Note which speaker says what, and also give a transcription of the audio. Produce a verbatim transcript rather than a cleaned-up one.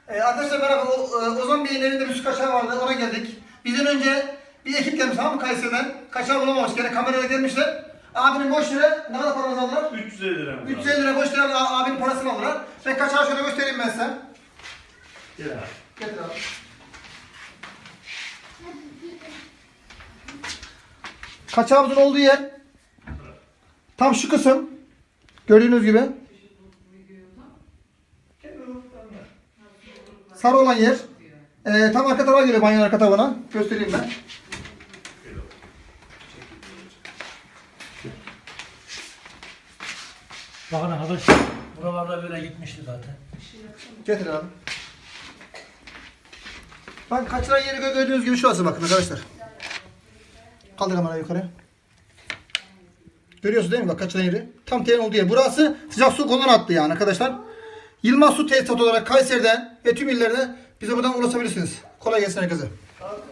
Speaker 1: Ee, arkadaşlar merhaba. O, e, Ozan Bey'in evinde bir su kaçağı vardı. Ona geldik. Bizden önce bir ekip gelmiş tamam mı Kayseri'den. Kaçağı bulamamış. Gene kamerayla gelmişler. Abinin boş lira ne kadar paranızı aldılar?
Speaker 2: üç yüz elli lira.
Speaker 1: üç yüz elli lira boş lira a- abinin parasını aldılar. Ben kaçağı şöyle göstereyim ben size.
Speaker 2: Gel abi.
Speaker 1: Getir abi. Kaçağımızın olduğu yer tam şu kısım. Gördüğünüz gibi. Sarı olan yer. Ee, tam arka tarafa geliyor banyonun arka tarafına. Göstereyim ben.
Speaker 3: Bakın arkadaş, buralarda böyle gitmişti zaten.
Speaker 1: Getir abi. Bak kaçıran yeri gö- gördüğünüz gibi şurası bakın arkadaşlar. Kaldır kamerayı yukarı. Görüyorsunuz değil mi bak kaçıran yeri? Tam terin olduğu yer. Burası sıcak su koluna attı yani arkadaşlar. Yılmaz Su Tesisatı olarak Kayseri'de ve tüm illerde bize buradan ulaşabilirsiniz. Kolay gelsin herkese.